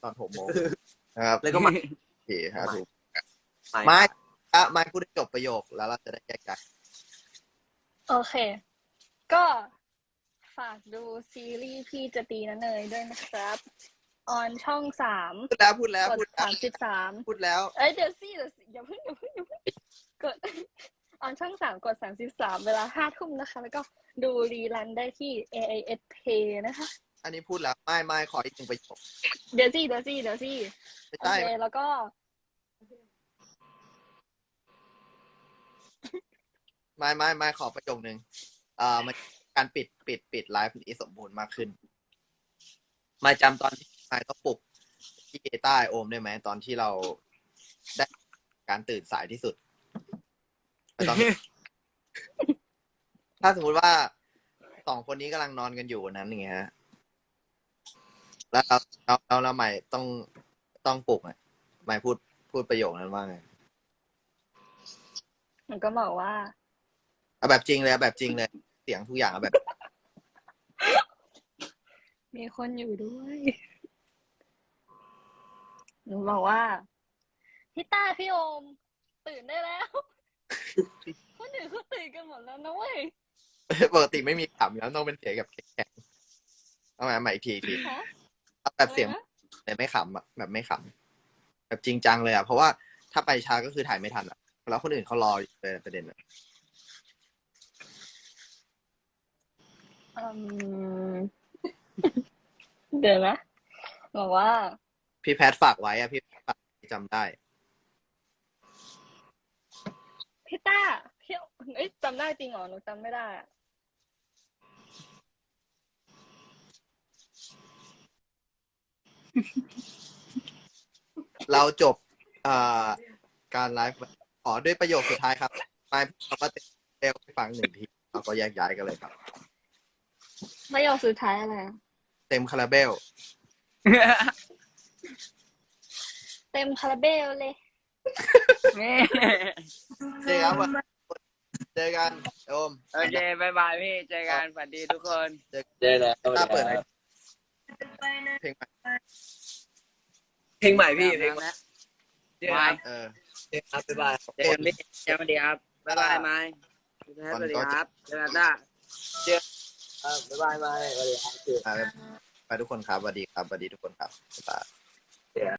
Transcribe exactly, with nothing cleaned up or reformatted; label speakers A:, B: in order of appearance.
A: ตอนหกโมงนะครับ
B: แล้วก็มา
A: โอเคครับถูกไม่อ่ะไม่พูดให้จบประโยคแล้วเราจะได้แยกกัน
C: โอเค ก็ฝากดูซีรีส์พี่จะตีนะเนยด้วยนะครับออนช่องสาม
A: พูดแล้วพูดแล้ว
C: กด
A: พูดแล้ว
C: สามสิบสาม
A: พูดแล้ว
C: เอ้ยเดี๋ยวสิเดี๋ยวสิอย่าเพิ่งอย่าเพิ่งอย่าเพิ่งกดออนช่องสามกดสามสิบสามเวลาห้าทุ่มนะคะ แล้วก็ดูรีรันได้ที่ เอ ไอ เอส Play นะคะ
A: อันนี้พูดแล้วไม่ไม่ขออีกหนึ่งประโยค
C: เดี๋ยวสิเดี๋ยวสิเดี๋ยวสิ
A: ไม่
C: โอ
A: ใช่
C: เคแล้วก็
A: ไม่ไม่ไม่ขอประโยคนึงเอ่อมันการปิดปิดปิดไลฟ์นี้สมบูรณ์มากขึ้นไม่จำตอนที่ไม่ต้องปลุกที่ใต้โอมได้ไหมตอนที่เราได้การตื่นสายที่สุดตอน ถ้าสมมุติว่าสองคนนี้กำลังนอนกันอยู่วันนั้นอย่างเงี้ยฮะแล้วเราเราเราเราใหม่ต้องต้องปลุกอ่ะใหม่พูดพูดประโยคนั้นว่าไง
C: มันก็บอกว่า
A: เอาแบบจริงเลยเอาแบบจริงเลยเสียงทุกอย่างเอาแบบ
C: มีคนอยู่ด้วยหนูบอกว่าพี่ต้าพี่โอมตื่นได้แล้วคนอื่นเขาตื่นกันหมดแล้วนะเว้ย
A: ปกติไม่มีขำแล้วต้องเป็นเสียงแบบแข็งๆเอาใหม่ใหม่อีกทีอีกที
C: ฮะ
A: เอาแบบเสียงแต่ไม่ขำอ่ะแบบไม่ขำแบบจริงจังเลยอ่ะเพราะว่าถ้าไปช้าก็คือถ่ายไม่ทันอ่ะแล้วคนอื่นเขารออยู่เลยประเด็นอ่ะ
C: อืมเดี๋ยวนะบอกว่า
A: พี่แพทฝากไว้อ่ะพี่แพทฝากจำได้
C: พี่ต้าพี่เอ้ยจำได้จริงเหรอหนูจำไม่ได้อะ
A: เราจบอ่าการไลฟ์ขอด้วยประโยคสุดท้ายครับไปเราก็เร็วไปฟังหนึ่งทีเราก็แยกย้ายกันเลยครับ
C: ประโยคสุดท้ายอะไรอะ
A: เต็มคาราเบล
C: เต็มคาราเบลเลย
A: เจอกันเจอกันโอม
B: โอเคบายบายพี่เจอกันสวัสดีทุกคน
A: เจอ
B: เจอแล้ว
A: ตาเปิดเพลงใหม่
B: เพลงใหม่พี่เพลงใหม่เจอกัน
A: เออ
B: เจอครับบ๊ายบายเจอกันพี่เจอกันดีครับบ๊ายบายไม้สวัสดีครับเจอกันจ้าเจอครับบ๊ายบายไม้สวัสดีครับ
A: ไปทุกคนครับสวัสดีครับสวัสดีทุกคนครับบ๊ายบาย